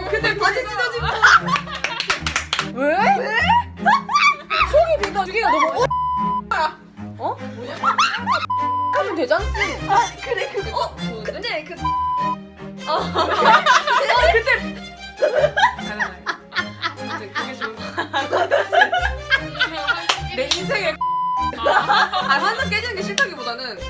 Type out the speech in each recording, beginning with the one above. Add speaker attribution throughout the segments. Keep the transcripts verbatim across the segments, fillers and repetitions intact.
Speaker 1: 근데 바지 찢어진 거.
Speaker 2: 왜? 왜? 속이 비가 뒤가 너무 어? 뭐냐? 하면 되잖아.
Speaker 1: 아 그래 그거. 어? 근데 그. 어. 그때. 아무튼 그게 좋은 거. 내 인생에. 아 환상 깨지는 게 싫다기보다는.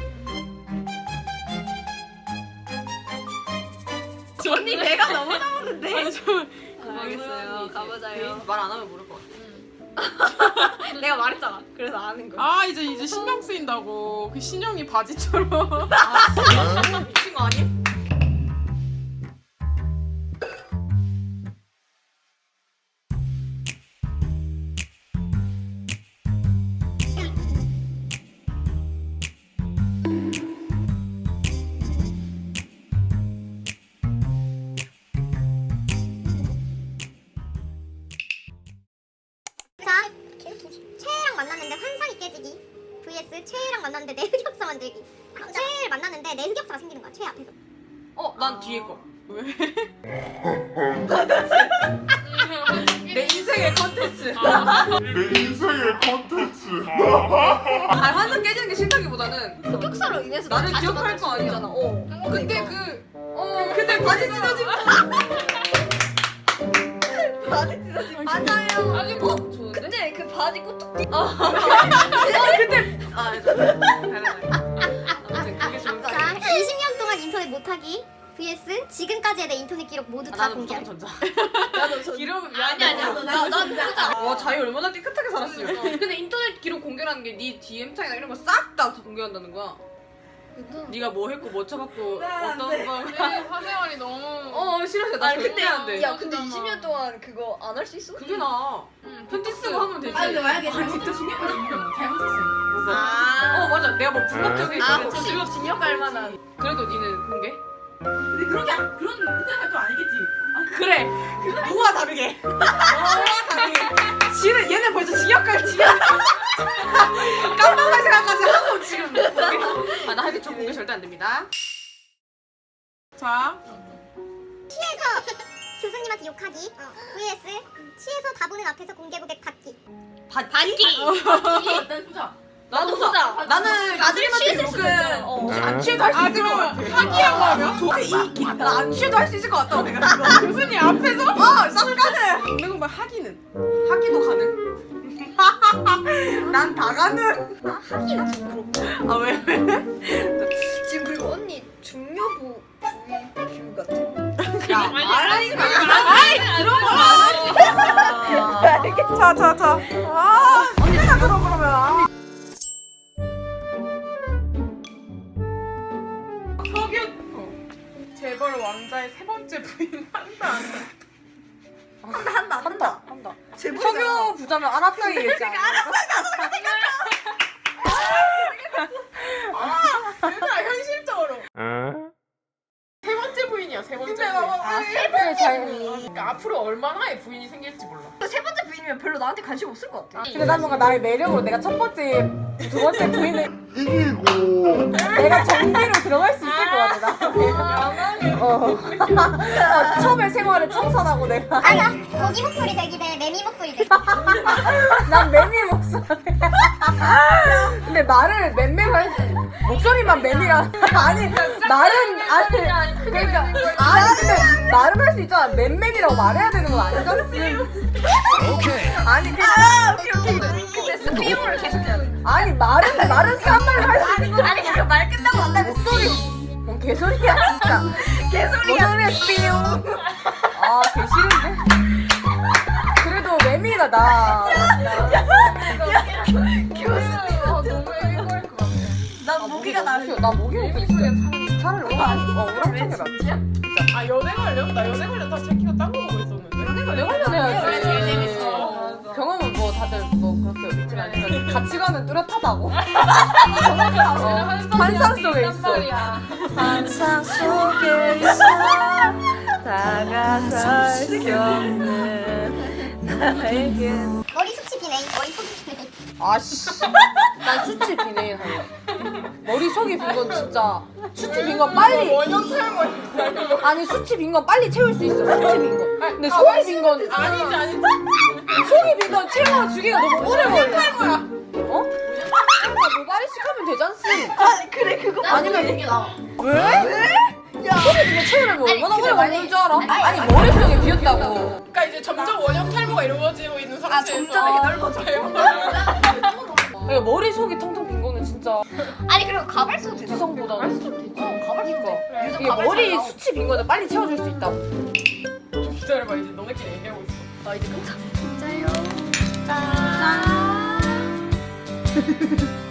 Speaker 1: 언니 배가 너무 나오는데. 알겠어요. 가보자요. 말 안 하면 모를 것 같아. 내가 말했잖아. 그래서 아는 거야.
Speaker 3: 아 이제 이제 신경 쓰인다고. 그 신영이 바지처럼.
Speaker 1: 아, 미친 거 아님?
Speaker 4: 자, 최애랑 만났는데 환상이 깨지기 vs 최애랑 만났는데 내 흑역사 만들기. 최애를 만났는데 내 흑역사가 생기는 거야, 최애 앞에서.
Speaker 1: 어, 난 뒤에 거.
Speaker 3: 왜?
Speaker 1: 내 인생의 컨텐츠.
Speaker 5: 내 인생의 컨텐츠.
Speaker 1: 아니 환상 깨지는 게 싫다기보다는
Speaker 4: 흑역사로 인해서
Speaker 1: 나를
Speaker 4: 다시
Speaker 1: 기억할
Speaker 4: 만날
Speaker 1: 거
Speaker 4: 수
Speaker 1: 아니야.
Speaker 4: 있잖아. 어.
Speaker 1: 근데 그, 어, 근데 바지 찢어진 거. 바지 찢어진 거. 맞아요. 아니, 어, 좋은데? 근데 그 바지 꼬투리. 어, 근데. 아, 아무튼 그게 좋은 거
Speaker 4: 자,
Speaker 1: 아니야.
Speaker 4: 이십 년 동안 인터넷 못하기 vs 지금까지의 내 인터넷 기록 모두
Speaker 1: 아,
Speaker 4: 다
Speaker 1: 나는 무조건
Speaker 4: 공개하기.
Speaker 1: 전자. 나도 전. 기록 아니 아니야. 나난 후자. 와 자기 얼마나 깨끗하게 살았어요. 근데 인터넷 기록 공개라는 게 네 디엠 창이나 이런 거 싹 다 공개한다는 거야. 네가 뭐 했고 뭐 쳐봤고 어떤 거.
Speaker 3: 내 사생활이 너무.
Speaker 1: 어 싫어 싫어. 나 절대 안 돼.
Speaker 3: 야, 근데
Speaker 1: 이십 년
Speaker 6: 동안 그거 안 할 수 있어?
Speaker 1: 그게 나.
Speaker 3: 응,
Speaker 1: 편지 쓰고 하면 되지.
Speaker 6: 아니 근데 만약에
Speaker 3: 진짜 중요한 거 잘못했어.
Speaker 1: 아. 어 맞아. 내가 뭐 불법적인
Speaker 6: 아
Speaker 1: 거를
Speaker 6: 혹시
Speaker 1: 쳤지.
Speaker 6: 징역 갈 만한
Speaker 1: 그래도 니는 공개?
Speaker 6: 근데 그렇게 그런 그런 활동 아니겠지?
Speaker 1: 그래. 누가 다르게. 누가 다르게. 지는 얘는 벌써 징역갈 징역. 깜빡할 생각까지 하고 지금 공개. 아나 하여튼 저 공개 절대 안 됩니다.
Speaker 3: 자,
Speaker 4: 취해서 교수님한테 욕하기 vs 취해서 다 보는 앞에서 공개 고백 받기.
Speaker 1: 받기?
Speaker 6: 일단 보자.
Speaker 1: 나도 후자. 나는 교수님한테 욕은
Speaker 6: 어.
Speaker 1: 안 취해도 할 수
Speaker 3: 아
Speaker 1: 있을 것 같아.
Speaker 3: 그러면 하기라고 하면?
Speaker 1: 저게 이익이. 나안 취해도 할 수 있을 것 같다고 내가 지금.
Speaker 3: 교수님 앞에서?
Speaker 1: 어, 싹 가능.
Speaker 3: 근데 그럼 하기는?
Speaker 1: 하기도 가능. 난 다 가능.
Speaker 6: 아 하기는 좀 그렇고.
Speaker 1: 아 왜 왜?
Speaker 6: 지금 그리고 언니 중요부 부위 뷰 같아.
Speaker 1: 야 말하니까.
Speaker 3: 아이 그런 거 안 하지. 자, 자, 자. 아, 언니가 그럼 그러면. 석윤 어. 재벌 왕자의 세 번째 부인 한다. 안 한다.
Speaker 1: 한다 한다 한다 한다.
Speaker 6: 제보자.
Speaker 1: 석유 부자면 아랍상이 얘기야.
Speaker 3: 얘들아 현실적으로. 세 번째 부인이야 세 번째 부인.
Speaker 1: 아 세배 잘.
Speaker 3: 그러니까 앞으로 얼마나의 부인이 생길지 몰라.
Speaker 6: 세 번째 부인이면 별로 나한테 관심 없을 것 같아.
Speaker 2: 근데 난 뭔가 나의 매력으로 내가 첫 번째, 두 번째 부인을
Speaker 5: 이기고.
Speaker 2: 내가 정비로 들어갈 수 있을 것 같아. 나. 어. 어, 처음에 생활을 청산하고 내가
Speaker 4: 아니야, 고기 목소리 대기 대 매미 목소리 대기.
Speaker 2: 난 매미 목소리. 근데 말을 맴매로 할 수, 목소리만 매미라. 아니 말은 아니 그러니까 아니 근데 말은 할 수 있잖아. 맴매미라고 말해야 되는 건 아니잖아. 아니 그
Speaker 1: 아 오케이 오케이. 근데 스피용을 계속 해야 돼.
Speaker 2: 아니 말은 말은 사람 말로 할 수 있는 거.
Speaker 1: 아니 그 말 끝나고 안 나면
Speaker 2: 목소리 뭔 개소리야 진짜.
Speaker 1: 개소리야.
Speaker 2: 목소리에 스피용. 아 개싫은데. 그래도 매미가 나.
Speaker 1: 난 모기가 나.
Speaker 2: 나 모기가 있어. 차라리 오랑 어 오랑캐가 낫지.
Speaker 3: 아 연애 관련? 나 연애 관련 다 제키가 딴 거 보고 있었는데.
Speaker 2: 연애 관련 해야지.
Speaker 1: 그래, 제일 재밌어.
Speaker 2: 경험은 뭐 다들 뭐 그렇게 있진 않지만 가치관은 뚜렷하다고. 환상 속에 있어.
Speaker 6: 항상 속에 있어 다가설 수 없는 나에게.
Speaker 4: 머리 숱이 비네, 머리 속이 비네.
Speaker 2: 아씨. 난 수치 비네인 할래. 머리 속이 빈 건 진짜 수치 빈 건 빨리.
Speaker 3: 원형 탈모 있어.
Speaker 2: 아니 수치 빈 건 빨리 채울 수 있어. 수치 빈 건. 근데 속이 빈 건
Speaker 1: 아니지 아니지.
Speaker 2: 속이 빈 건 채워 주기가 너무 오래 걸려. 어? 모발이식 하면 되잖지.
Speaker 6: 아니 그래 그거
Speaker 2: 아니면
Speaker 7: 이게 나.
Speaker 2: 왜? 왜? 속이 빈거 채우려면 얼마나 오래 걸리는 줄 알아? 아니 머릿속에 비었다고.
Speaker 3: 그러니까 이제 점점 원형 탈모가 이루어지고 있는
Speaker 6: 아
Speaker 3: 상태에서
Speaker 6: 점점 이렇게 넓어져.
Speaker 2: 그러니까 머릿속이 텅텅 빈 거는 진짜
Speaker 4: 아니 그리고 가발수도 되잖아.
Speaker 2: 지성보다는 어,
Speaker 4: 가발수도
Speaker 2: 이게 머리 수치 빈 거는 빨리 채워줄 수 있다.
Speaker 3: 좀 기다려봐 이제 너네끼리 얘기하고 있어.
Speaker 6: 나 이제 깜짝
Speaker 4: 짠.